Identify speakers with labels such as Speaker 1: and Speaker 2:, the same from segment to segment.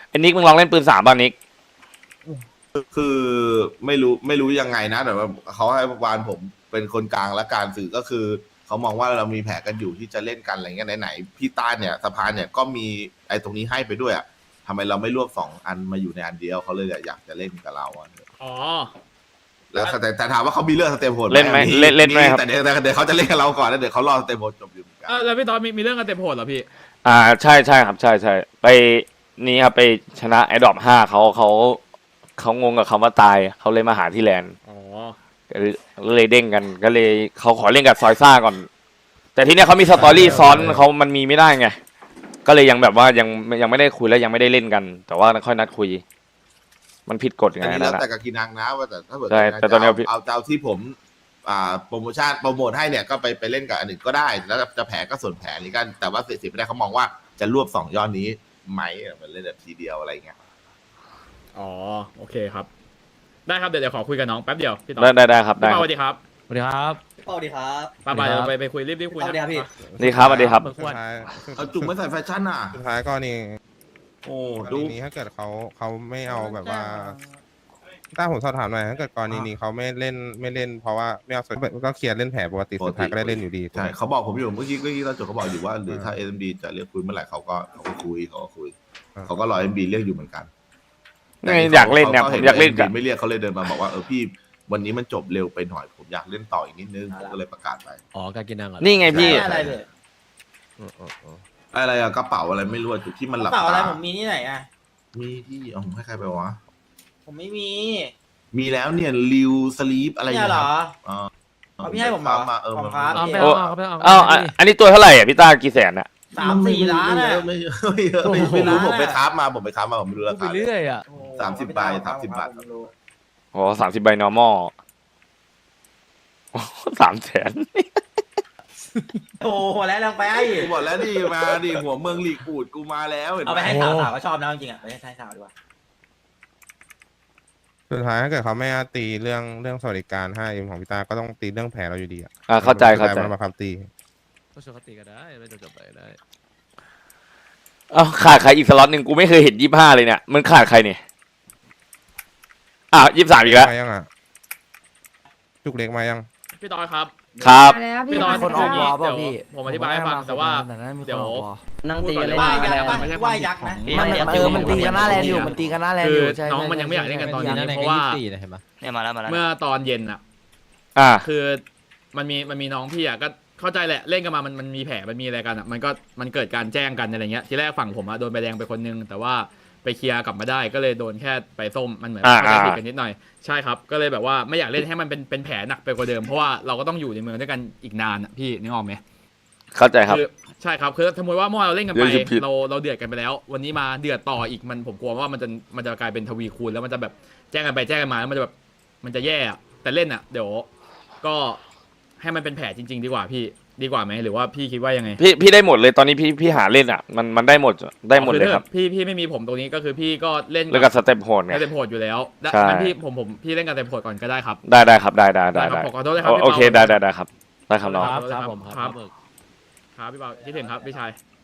Speaker 1: ไอ้นิกมึงลองเล่นปืน3ป่ะนิก
Speaker 2: คือไม่รู้ยังไงนะแต่ว่าเขาให้วานผมเป็นคนกลางและการสื่อก็คือเขามองว่าเรามีแผนกันอยู่ที่จะเล่นกันอะไรเงี้ยไหนๆพี่ต้านเนี่ยสภาเนี่ยก็มีไอ้ตรงนี้ให้ไปด้วยอ่ะทำไมเราไม่รวบ2 อันมาอยู่ในอันเดียวเขาเลยอยากจะเล่นกับเราอ่ะ
Speaker 3: อ๋อ
Speaker 2: แล้วแต่ถามว่าเขามีเรื่องสเตมโหด
Speaker 1: เล่นไหมเล่นไหมครับ
Speaker 2: แต่เดี๋ยวเขาจะเล่นกับเราก่อนแล้วเดี๋ยวเขารอสเตมโหดจบอยู่เหมือนกัน
Speaker 3: แล้วพี่ตอนมีเรื่องกันเต็มโหดเหรอพี่
Speaker 1: ใช่ครับใช่ไปนี่ครับไปชนะไอ้ดอป5เขางงกับคำว่าตายเขาเลยมาหาที่แลนด์
Speaker 3: อ๋อ
Speaker 1: ก็เลยเด้งกันก็เลยเขาขอเล่นกับซอยซ่าก่อน แต่ทีเนี้ยเขามีสตอรี่ซ้อนเขามันมีไม่ได้ไงก็เลยยังแบบว่ายังไม่ได้คุยแล้วยังไม่ได้เล่นกัน แต่ว่าค่อยนัดคุย มันผิดกฎไง
Speaker 2: อันนี้
Speaker 1: นั่
Speaker 2: แล้ว
Speaker 1: นแหละ
Speaker 2: แต่กับกินังนะว่าแต่ถ้าเกิด
Speaker 1: ใช่แต่ตอนนี้พี่
Speaker 2: เอาที่ผมโปรโมทให้เนี่ยก็ไปเล่นกับอันอื่นก็ได้แล้วจะแผลก็ส่วนแผลนี้กันแต่ว่าสิไม่ได้เขามองว่าจะรวบ2 ยอดนี้ไหมมันเล่นแบบทีเดียวอะไรเงี้ย
Speaker 3: อ๋อ โอเคครับ ได้ครับ เดี๋ยวขอคุยกับน้องแป๊บเดียวพี่ตอน
Speaker 1: ได้ครับ
Speaker 3: พี่
Speaker 1: ได้
Speaker 3: เปาสวัสดีครับ
Speaker 4: สวัสดีครับ
Speaker 5: สวัสดีครับ
Speaker 3: ป้าเดี๋ยวไปคุยรีบคุย
Speaker 5: สวัสดีครับพี่
Speaker 1: นี่ครับสวัสดีครับ
Speaker 3: เปิดข
Speaker 4: สุ
Speaker 3: ว
Speaker 4: ด
Speaker 3: ด
Speaker 4: ท้าย
Speaker 2: เอาจุ่มไม่ใส่แฟชั่นอ่ะ
Speaker 4: สุดท้ายก็นี่
Speaker 2: โอ้
Speaker 4: กร
Speaker 2: ดู
Speaker 4: ณีนี้ถ้าเกิดเขาไม่เอาแบบว่าถ้าผมสอบถามหน่อยถ้าเกิดกรณีนี้เขาไม่เล่นเพราะว่าไม่เอาส่วนก็เคลียร์เล่นแผลปกติสุดท้ายก็ได้เล่นอยู่ดี
Speaker 2: ใช่เขาบอกผมอยู่เมื่อกี้ตอนจบเขาบอกอยู่ว่าหรือถ้า SMD จะเรียกคุยเมื่อไหร่เขาก็คุยเขาก็รอ SMD เรียกอยู่เหมือนกัน
Speaker 1: อยากเล่นเนี่ยผมอยากเล่นกับ
Speaker 2: ไม่เรียกเขาเลยเดินมาบอกว่าพี่วันนี้มันจบเร็วไปหน่อยผมอยากเล่นต่ออีกนิดนึงผมก็เลยประกาศไป
Speaker 4: อ๋อการกินนังเหรอ
Speaker 1: นี่ไงพี่
Speaker 5: อะไรเลย
Speaker 2: อะไรอะกระเป๋าอะไรไม่รู้จุดที่มันหลับ
Speaker 5: เปล่าอะไร
Speaker 2: ตา
Speaker 5: ผมมีที่ไหนอ่ะ
Speaker 2: มีที่เอาผมให้ใครไปวะ
Speaker 5: ผมไม่มี
Speaker 2: มีแล้วเนี่ยริวสลีปอะไร
Speaker 5: เนี่ยเหรอ
Speaker 2: อ๋อ
Speaker 5: เอาพี่ให้ผมเหรอ
Speaker 2: มา
Speaker 5: ขอบ
Speaker 2: มา
Speaker 5: ครับ
Speaker 4: เอาไป
Speaker 1: โอ้
Speaker 4: เอา
Speaker 1: อันนี้ตัวเท่าไหร่อ่ะพี่ต้ากี่แสนอ่ะ
Speaker 5: 3-4 ล้าน
Speaker 2: ไม่
Speaker 5: อ่ะ
Speaker 2: เยอะไม่เยอะไม่รู้ผมไปค้ามาผมไปรู้รา
Speaker 4: ไป
Speaker 2: คา
Speaker 4: เรื่อยอ่ะ
Speaker 5: โอ้โห
Speaker 2: 30 ใบ30 บาท
Speaker 5: ผมรู้
Speaker 1: โอ้30 ใบ normal 300,000
Speaker 5: โอ้โหแล้วลงไป
Speaker 2: กูบอกแล้วดิมาดิหัวเมืองหลีกปูดกูมาแล้วเห็น
Speaker 5: เอา
Speaker 2: ไห
Speaker 5: ไป
Speaker 2: ม
Speaker 5: ให้สาวก็ชอบนะจริงๆอ่ะไปให้สาวดีกว่า
Speaker 4: สุดท้ายถ้าเกิดเขาไม่ตีเรื่องสวัสดิการ 5M ของพี่ตาก็ต้องตีเรื่องแผลเราอยู่ดีอ่ะ
Speaker 1: เข้าใจ
Speaker 4: มันมาคำตี
Speaker 6: ก็ชวนเขาตีกันได้ไม่จบไปได้
Speaker 1: ขาดใครอีกสล็อตหนึ่งกูไม่เคยเห็น25เลยเนี่ยมันขาดใครเนี่ย23อีกแล้ว
Speaker 4: มายังอ่ะจุกเล็กมายัง
Speaker 3: พี่ตอนครับ
Speaker 1: ครับ
Speaker 3: พี่ตอน
Speaker 7: คนออกวอลเปล่า
Speaker 3: เดี๋ยว
Speaker 7: พี่
Speaker 3: ผมอธิบายให้ฟังแต่ว่าเดี๋ยว
Speaker 7: นั่งตีกันเล่น
Speaker 5: ว่า
Speaker 7: หน้า
Speaker 5: ยัก
Speaker 7: แล
Speaker 5: ษ์
Speaker 7: นด์
Speaker 5: ว่ายักษ์นะ
Speaker 7: มันตีกันหน้าแลนด์อยู่มันตีกันหน้าแลนด์
Speaker 3: คือ
Speaker 7: อยู่ใช่
Speaker 3: น้องมันยังไม่อยากเล่นกันตอนนี้เพราะว่า
Speaker 6: เนี่ยมาแล้ว
Speaker 3: เมื่อตอนเย็นอ่ะ คือมันมีน้องพี่อ่ะก็เข้าใจแหละเล่นกันมามันมีแผลมันมีอะไรกันอ่ะมันเกิดการแจ้งกันอะไรเงี้ยทีแรกฝั่งผมอ่ะโดนใบแดงไปคนนึงแต่ว่าไปเคลียร์กลับมาได้ก็เลยโดนแค่ใบส้มมันเหมือนเข้าใจผิดกันนิดหน่อยใช่ครับก็เลยแบบว่าไม่อยากเล่นให้มันเป็นแผลหนักไปกว่าเดิมเพราะว่าเราก็ต้องอยู่ในเมืองด้วยกันอีกนานอ่ะพี่นึกออกไหม
Speaker 1: เข้าใจครับ
Speaker 3: คือใช่ครับคือสมมติว่าเมื่อวานเราเล่นกันไป
Speaker 1: เดี๋ยวจะผิด
Speaker 3: เราเดือดกันไปแล้ว วันนี้มาเดือดต่ออีกผมกลัวว่ามันจะกลายเป็นทวีคูณแล้วมันจะแบบแจ้งกันไปแจ้งกันมาแล้วมันจะแบบมันจะแย่อะแต่เล่นอ่ะเดี๋ยวก็ให้มันเป็นแผลจริง ๆ ดีกว่าพี่ดีกว่าไหมหรือว่าพี่คิดว่ายังไง
Speaker 1: พี่ได้หมดเลยตอนนี้พี่หาเล่นอ่ะมันได้หมดเลยครับ
Speaker 3: พี่ไม่มีผมตรงนี้ก็คือพี่ก็เล่น
Speaker 1: แล้วก็สเต็ปโหดไง
Speaker 3: เต็มโหดอยู่แล้วดัง
Speaker 1: ใช่
Speaker 3: นั้นพี่เล่นกันเต็มโหดก่อนก็ได้ครับ
Speaker 1: ได้ครับได้
Speaker 3: ครับขอโทษด้วยครับ
Speaker 1: โอเค
Speaker 3: พี่
Speaker 1: ได้
Speaker 3: เปา
Speaker 1: ได้ครับได้ครับน้อง
Speaker 3: ครับ
Speaker 6: ผม
Speaker 3: ครับพี่เปาคิดถึงครับพี่ชาย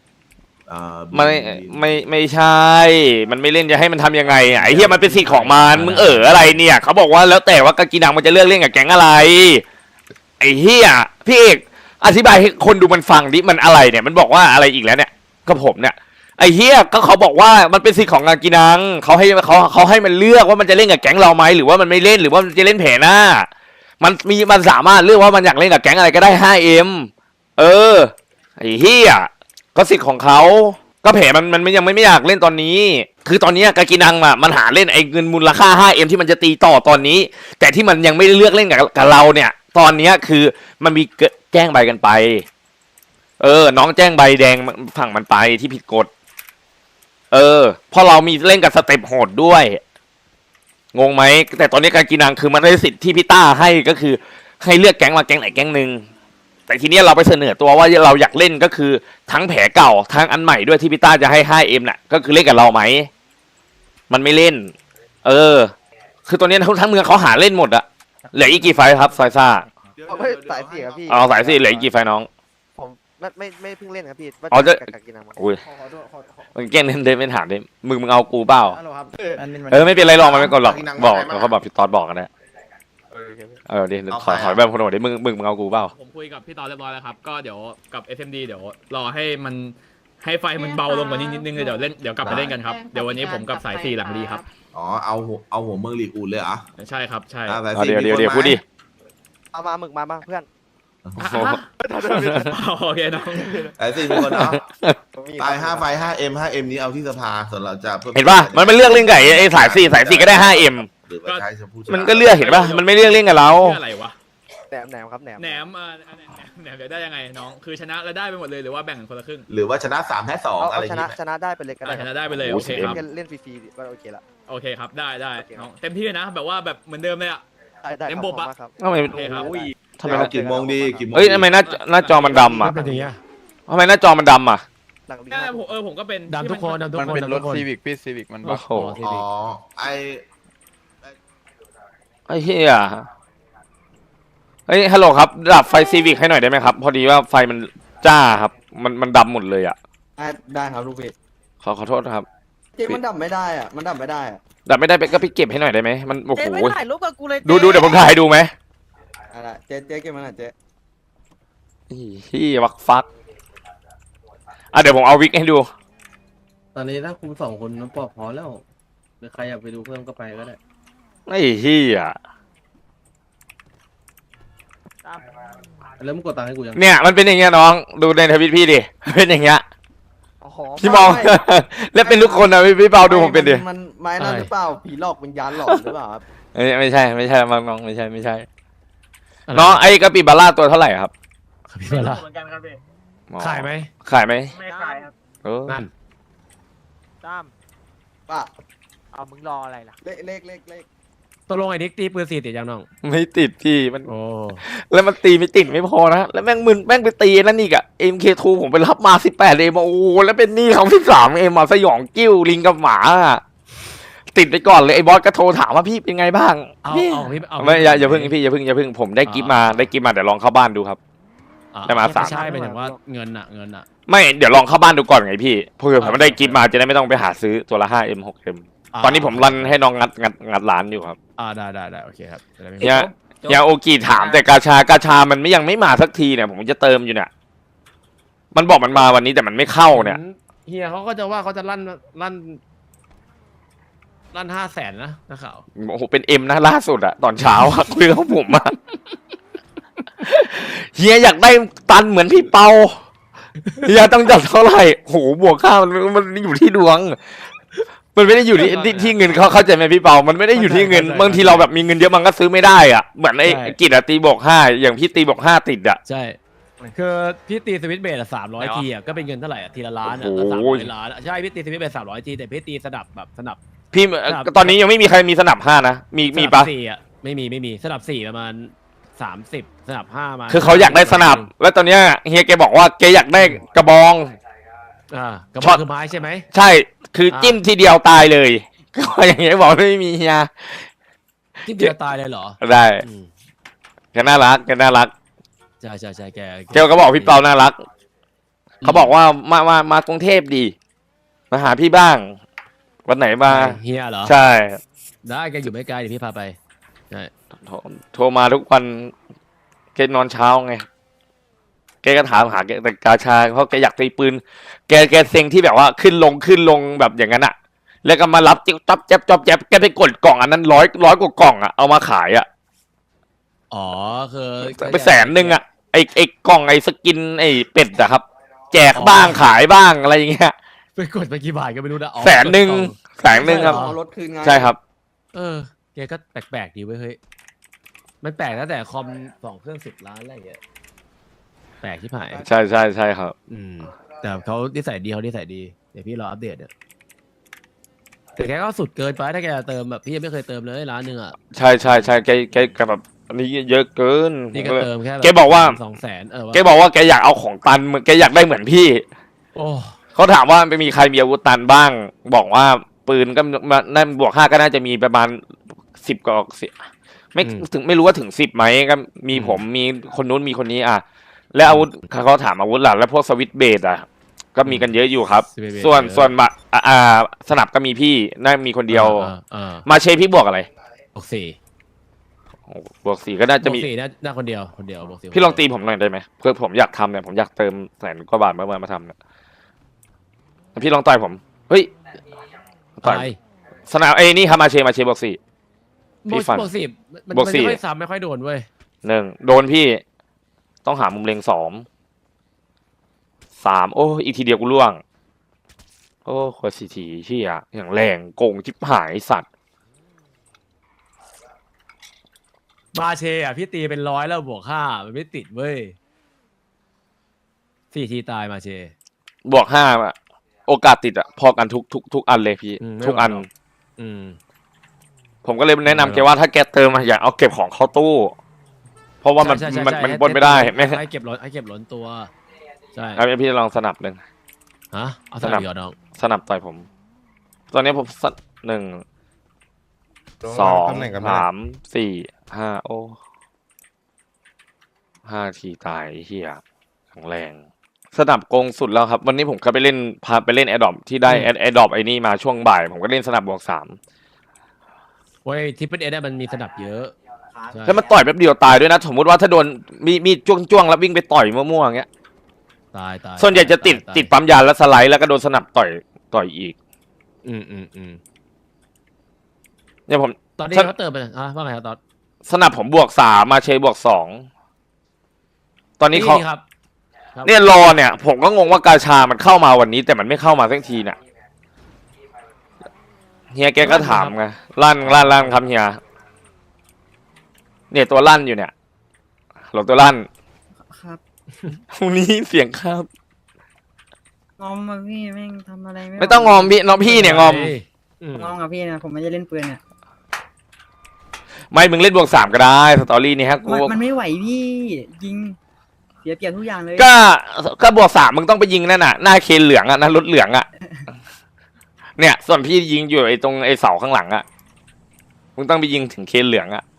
Speaker 1: ไม่ใช่ มันไม่เล่นจะให้มันทำยังไงอ่ะไอ้เหี้ยมันเป็นสิทธิ์ของมันมึงอะไรเนี่ยเขาบอกว่าแล้วแต่ว่ากากีนังมันจะเลือกเล่นกับแก๊งอะไรไอ้เหี้ยพี่เอกอธิบายให้คนดูมันฟังดิมันอะไรเนี่ยมันบอกว่าอะไรอีกแล้วเนี่ยก็ผมเนี่ยไอ้เหี้ยก็เขาบอกว่ามันเป็นสิทธิ์ของกากีนังเขาให้มันเลือกว่ามันจะเล่นกับแก๊งเราไหมหรือว่ามันไม่เล่นหรือว่ามันจะเล่นแผลหน้ามันสามารถเลือกว่ามันอยากเล่นกับแก๊งอะไรก็ได้ 5M ไอ้เหี้ยก็สิทธิ์ของเขาก็แผลมันยังไม่อยากเล่นตอนนี้ คือตอนนี้กากินังมันหาเล่นไอ้เงินมูลค่า 5M ที่มันจะตีต่อตอนนี้ แต่ที่มันยังไม่ได้เลือกเล่นกับเราเนี่ย ตอนนี้คือมันมีแจ้งใบกันไปน้องแจ้งใบแดงฝั่งมันไปที่ผิดกฎพอเรามีเล่นกับสเต็ปโหดด้วยงงไหมแต่ตอนนี้กากินังคือมันได้สิทธิ์ที่พี่ต้าให้ก็คือให้เลือกแก๊งมาแก๊งไหนแก๊งหนึ่งแต่ทีนี้เราไปเสนอตัวว่าเราอยากเล่นก็คือทั้งแผลเก่าทั้งอันใหม่ด้วยที่พี่ต้าจะให้ 5M น่ะก็คือเล่นกับเราไหมมันไม่เล่นคือตอนนี้ทั้งเมืองเขาหาเล่นหมดอะเหลืออีกกี่ไฟครับซอยซ่า
Speaker 7: เอาไม่สายสี่ครับพี่
Speaker 1: เอาสายสิเหลืออีกกี่ไฟน้อง
Speaker 7: ผมไม่เพิ่งเล่นครับพี่
Speaker 1: อ๋อจะ
Speaker 7: กักกินน้ำ
Speaker 1: อุ้ย
Speaker 5: ขอโทษ
Speaker 1: มันแกล้งเดินไปถามดิมึงเอากูเปล่า
Speaker 7: ฮัลโหลครับ
Speaker 1: ไม่เป็นไรหรอกมันไม่กดหรอกบอกเขาบอกพี่ตอดบอกกันนะดิขอแบบคนโหดดิมึงเอากูเปล่า
Speaker 3: ผมคุยกับพี่ตอนเรียบร้อยแล้วครับก็เดี๋ยวกับ SMD เดี๋ยวรอให้มันให้ไฟมันเบาลงกว่านี้นิดนึงเลยเดี๋ยวกลับมาเล่นกันครับเดี๋ยววันนี้ผมกับสาย4หลังดีครับ
Speaker 2: อ๋อเอาหัวเมืองลีกอุ่นเลยเหรอ
Speaker 3: ใช่ครับใช่
Speaker 2: อ่ะสาย
Speaker 1: เอา
Speaker 2: สี่
Speaker 1: เดี๋ยว
Speaker 2: มีคน
Speaker 1: พูดดิ
Speaker 7: เอามาหมึกมาเพื่อน
Speaker 3: โอเคน้อง
Speaker 2: สายสี่มีคนเนาะตาย5 ไฟ 5M 5M นี้เอาที่สภาส่วนเราจะ
Speaker 1: เห็นป่ะมันไม่เลือกเล่นกับไอ้สาย4ก็ได้ 5M
Speaker 2: หรือว่าใช้จะพูด
Speaker 1: มันก็เลือกเห็นป่ะมันไม่เลือกเล่นกับเรา
Speaker 3: เรื่องอะไรวะ
Speaker 7: แหนมครับแหนม
Speaker 3: แหนมแหนมเดี๋ยวได้ยังไงน้องคือชนะแล้วได้ไปหมดเลยหรือว่าแบ่งกันคนละครึ่ง
Speaker 2: หรือว่าชนะ3 แพ้ 2 อะไร
Speaker 7: เอา
Speaker 2: อย่าง
Speaker 7: ชนะ
Speaker 2: เงี้ย
Speaker 7: ชนะได้ไปเลยก็ได้
Speaker 3: ชนะได้ไปเลยโอเคครับ
Speaker 7: เล่นฟรีๆก็โอเคละ
Speaker 3: โอเคครับได้น้องเต็มที่นะแบบว่าแบบเหมือนเดิมเลยอ่ะ
Speaker 7: ได้
Speaker 3: เต็มบบอะ
Speaker 7: ครับ
Speaker 1: ทำไม
Speaker 3: โอเคครับ
Speaker 1: ทำไม
Speaker 2: เอากี่โมงดีกี่โมง
Speaker 1: เอ้ยทำไมหน้าจอมันดำอ่ะทำไมหน้าจอมันดำอ่ะ
Speaker 7: หลังดี
Speaker 3: เนี่ยผมก็เป็น
Speaker 6: ดำทุกคนดำทุก
Speaker 8: มัน
Speaker 6: คน
Speaker 8: เป็นรถซีวิกพี่ซีวิกมัน
Speaker 1: โอ้โห
Speaker 2: อ๋อ
Speaker 1: ไอ้เหี้ยเฮ้ยฮัลโหลครับดับไฟซีวิกให้หน่อยได้ไหมครับพอดีว่าไฟมันจ้าครับมันดำหมดเลยอ่ะ
Speaker 7: ได้ครับลูกพี่
Speaker 1: ขอโทษนะครับ
Speaker 7: เจ๊มันดับไม่ได้อ่ะมันดับไม่ได้อ่ะ
Speaker 1: ดับไม่ได้ไปก็ไปเก็บให้หน่อยได้ไหมมันโอ้โห
Speaker 7: เจ๊ไม่ถ่ายรูปกับกูเลย
Speaker 1: ดูเดี๋ยวผมถ่ายให้ดูไหม
Speaker 7: อะไรเจ๊เก็บมันหน่อยเจ๊
Speaker 1: พี่วักฟักเดี๋ยวผมเอาวิกให้ดู
Speaker 9: ตอนนี้ถ้าคุณ2 คนนั้นปอกพอแล้วหรือใครอยากไปดูเพิ่มก็ไปก็ได้
Speaker 1: ไอ้เหี้ย
Speaker 9: แล้วมึงกดตังค์ให้กูยัง
Speaker 1: เนี่ยมันเป็นอย่างเงี้ยน้องดูในทวิตพี่ดิเป็นอย่างเงี้ยพี่มอง แล้วเป็นทุกคนนะพี่เปาดูผมเป็นดิ
Speaker 7: มันไม้นั่นหรือเปล่าผีหลอกวิญญาณหลอกหรือเปล่าครับ
Speaker 1: ไม่ใช่น้องไม่ใช่น้องไอ้กะปิบาร่าตัวเท่าไหร่ครับ
Speaker 6: พี่มาละ
Speaker 5: เหมือนกันครับพี่
Speaker 6: ขายไหม
Speaker 1: ขายไหม
Speaker 5: ไม่ขายครับ
Speaker 6: นั่น
Speaker 5: ตั้ม
Speaker 7: ป่ะ
Speaker 5: เอามึงรออะไรล่ะ
Speaker 7: เลข
Speaker 6: ตกลงไอ้นิกตีปืน4ติดยังน้อง
Speaker 1: ไม่ติดพี่มัน
Speaker 6: โอ้
Speaker 1: แล้วมันตีไม่ติดไม่พอนะแล้วแม่งไปตีนั่นอีกอะ MK2 ผมไปรับมา18 โอ้โหแล้วเป็นหนี้เขา13มาสยองกิ้วลิงกับหมาอะติดไปก่อนเลยไอ้บอสก็โทรถามว่าพี่เป็นไงบ้าง
Speaker 6: เอา
Speaker 1: พี่
Speaker 6: พี่เอา
Speaker 1: ไม่อย่าเพิ่งพี่อย่าเพิ่งผมได้กิฟต์มาเดี๋ยวลองเข้าบ้านดูครับ ได้มา3
Speaker 6: ไม่ใช่หมายถึงว่าเงินอะ
Speaker 1: ไม่เดี๋ยวลองเข้าบ้านดูก่อนไงพี่เพื่อผมได้กิฟต์มาจะได้ไม่ต้องไปหาซื้อตัวละ 5M 6M ตอนนี้ผมรันให้น้องงัดร้านอยู่ครับ
Speaker 6: ได้โอเคครับจะได้ไม่
Speaker 1: ยาโอกิถามแต่กาชามันยังไม่มาสักทีเนี่ยผมจะเติมอยู่เนี่ยมันบอกมันมาวันนี้แต่มันไม่เข้าเนี่ย
Speaker 6: เฮียเขาก็จะว่าเขาจะลั่น500,000นะนักข่าว
Speaker 1: โอ้โหเป็น M นะล่าสุดอะตอนเช้าอะ คุยกับผมอะเฮียอยากได้ตันเหมือนพี่เปาเฮียต้องจัดเท่าไหร่โหบวกค่ามันอยู่ที่ดวง มันไม่ได้อยู่ที่เงินเขาเข้าใจไหมพี่เปามันไม่ได้อยู่ที่เงินบางทีเราแบบมีเงินเยอะมันก็ซื้อไม่ได้อ่ะเหมือนไอ้กิจอะตีบวก5อย่างพี่ตีบวก5ติดอ่ะ
Speaker 6: ใช่คือพี่ตีสวิตช์เบส300 ทีอะก็เป็นเงินเท่าไหร่ทีละล้านอะ300 ล้านใช่พี่ตีสวิตช์เบส300 ทีแต่พี่ตีสนับแบบสนับ
Speaker 1: พี่ตอนนี้ยังไม่มีใครมีสนับ5นะมีปะ
Speaker 6: 4อะไม่มีสนับ4ประมาณ30สนับ5มา
Speaker 1: คือเขาอยากได้สนับแล้วตอนเนี้ยเฮียแกบอกว่าแกอยากได้กระบอง
Speaker 6: กระบอกคือไม้ใช่ไหม
Speaker 1: ใช่คือจิ้มทีเดียวตายเลยก็อย่างเงี้ยบอกไม่มีเฮีย
Speaker 6: ที่เดียวตายเลยเหรอ
Speaker 1: ได้แกน่ารัก
Speaker 6: ใช่แก
Speaker 1: เกลก็บอกพี่เปาน่ารักเขาบอกว่ามากรุงเทพดีมาหาพี่บ้างวันไหนมา
Speaker 6: เฮียเหรอ
Speaker 1: ใช่
Speaker 6: ได้แกอยู่ไม่ไกลเดี๋ยวพี่พาไปใช่
Speaker 1: โทรมาทุกวันแกนอนเช้าไงแกก็ถามหาแกแต่กาชาเพราะแกอยากตีปืนแกเซ็งที่แบบว่าขึ้นลงแบบอย่างนั้นอะแล้วก็มารับจ๊อบแจ๊บแกไปกดกล่องอันนั้นร้อยกว่ากล่องอะเอามาขายอะ
Speaker 6: อ๋อคือ
Speaker 1: ไป100,000อะไอกล่องไอสกินไอเป็ดอะครับ แจกบ้างขายบ้างอะไรอย่างเงี้ย
Speaker 6: ไปกดไปกี่บาทก็ไม่รู้นะ
Speaker 1: 100,000ครับ
Speaker 7: เอารถคืนไง
Speaker 1: ใช่ครับ
Speaker 6: แกก็แปลกๆดีเว้ยเฮ้ยมันแปลกตั้งแต่คอม2 เครื่อง10 ล้านอะไรอย่างเงี้ยแปลกที่ผาย
Speaker 1: ใช่ครับ
Speaker 6: แต่เขานิสัยดีเดี๋ยวพี่รออัปเดตเนี่ยแต่แกก็สุดเกินไปถ้าแกเติมแบบพี่ยังไม่เคยเติมเลยล้านหนึ่งอ่ะ
Speaker 1: ใช่แกแบบอันนี้เยอะเกิน
Speaker 6: นี่ก็เติมแค่
Speaker 1: แกบอกว่า
Speaker 6: 200,000
Speaker 1: แกบอกว่าแกอยากเอาของตันแกอยากได้เหมือนพี่
Speaker 6: โอ้
Speaker 1: เขาถามว่าไม่มีใครมีอาวุธตันบ้าง บอกว่าปืนก็น่าบวก5ก็น่าจะมีประมาณ10กว่าไม่รู้ว่าถึง10ไหมก็มีผมมีคนนู้นมีคนนี้อ่ะแล้วอาวุธเขาถามอาวุธหลักแล้วพวกสวิตช์เบสอ่ะก็มีกันเยอะอยู่ครับ
Speaker 6: 11
Speaker 1: ส่วน
Speaker 6: เยอะ
Speaker 1: ส่วนบะสนับก็มีพี่น่ามีคนเดียว มาเชพี่บวกอะไร
Speaker 6: บวกสี่
Speaker 1: บวกสี่ก็น่าจะ
Speaker 6: บว
Speaker 1: มี
Speaker 6: กสี่น่าคนเดียวบวกสี่
Speaker 1: พี่ลองตีผมหน่อยได้ไหมเพื่อผมอยากทำเนี่ยผมอยากเติม100,000 กว่าบาทมาทำเนี่ยพี่ลองต่อยผมเฮ้ยต่อย
Speaker 6: ตาย
Speaker 1: สนามนี่ครับมาเชบวกสี่ พี่ฟัน
Speaker 6: บวกสี่มัน
Speaker 1: บวกสี่
Speaker 6: ไม่ค่อยซ้ำไม่ค่อยโดนเว้ย
Speaker 1: 1โดนพี่ต้องหามุมเล็ง2 3โอ้อีกทีเดียวกูล่วงโอ้โคตรทีเชี่ยอย่างแรงโกงชิบหายสัตว์
Speaker 6: มาเชอ่ะพี่ตีเป็น100แล้วบวก5มันไม่ติดเว้ย4 ทีตายมาเช
Speaker 1: บวก5อะโอกาสติดอะพอกันทุกอันเลยพี่
Speaker 6: ไม่
Speaker 1: ทุกอัน
Speaker 6: หวังหรอก อืม
Speaker 1: ผมก็เลยแนะนำแกว่าถ้าแกเติมอย่าเอาเก็บของเข้าตู้ เพราะว่ามัน
Speaker 6: ใช่
Speaker 1: มัน
Speaker 6: ให้
Speaker 1: บนไม่ได้ไม่
Speaker 6: ให้เก็บล้นตัวใช่
Speaker 1: เอาพี่ลองสนับหนึ่ง
Speaker 6: ฮะเอา
Speaker 1: ส
Speaker 6: ส
Speaker 1: นั
Speaker 6: นั
Speaker 1: บ
Speaker 6: บเหรอน้อง
Speaker 1: สนับต่อยผม ตอนนี้ผม1 2
Speaker 4: ตำแหน่งกันไม่ได้
Speaker 1: 3 4 5โอ้5 ทีตายไอ้เฮียแข็งแรง สนับโกงสุดแล้วครับ วันนี้ผมก็ไปเล่นพาไปเล่นแอดดอปที่ได้แอดดอปไอ้นี่มาช่วงบ่าย ผมก็เล่นสนับบวก3
Speaker 6: เว้ยทิปเปิลเอได้มันมีสนับเยอะใช่
Speaker 1: แล้วมันต่อยแป๊บเดียวตายด้วยนะ สมมติว่าถ้าโดนมีดจ้วงๆแล้ววิ่งไปต่อยมั่วๆอย่างเงี้ย
Speaker 6: ตาย
Speaker 1: ส่วนใหญ่จะติด
Speaker 6: ตาย
Speaker 1: ติดปั๊มยาแล้วสไลด์แล้วก็โดนสนับต่อยอีก
Speaker 6: อืม
Speaker 1: เนี่ยผม
Speaker 6: ตอนนี้
Speaker 1: ถ้า
Speaker 6: เขาเติมไปว่าไงครับตอน
Speaker 1: สนับผมบวก3มาเชยบวก2ตอนนี้เขา
Speaker 6: ครับ
Speaker 1: เนี่ยรอเนี่ย ผมก็งงว่ากาชามันเข้ามาวันนี้ แต่มันไม่เข้ามาสักทีเนี่ยเฮียแกก็ถามไงลั่นครับเฮียเนี่ยตัวลั่นอยู่เนี่ยหลบตัวลั่น
Speaker 8: ครับ
Speaker 1: ตรงนี้เสียงครับ
Speaker 8: งอมมาพี่แม่งทำอะไร
Speaker 1: ไม่ต้องงอมพี่น้องพี่เนี่ยงอม
Speaker 8: งอมกับพี่นะผมไม่ได้เล่นปืนเนี่ย
Speaker 1: ไม่มึงเล่นบวก3ก็ได้สตอรี่นี้ฮะกู
Speaker 8: มันไม่ไหวพี่ยิงเสียเปรียบทุกอย่างเลย
Speaker 1: ก็บวก3มึงต้องไปยิงนั่นน่ะหน้าเคนเหลืองอ่ะหน้ารถเหลืองอ่ะ เนี่ย ส่วนพี่ยิงอยู่ไอ้ตรงไอ้เสาข้างหลังอ่ะมึงต้องไปยิงถึงเคนเหลืองอ่ะ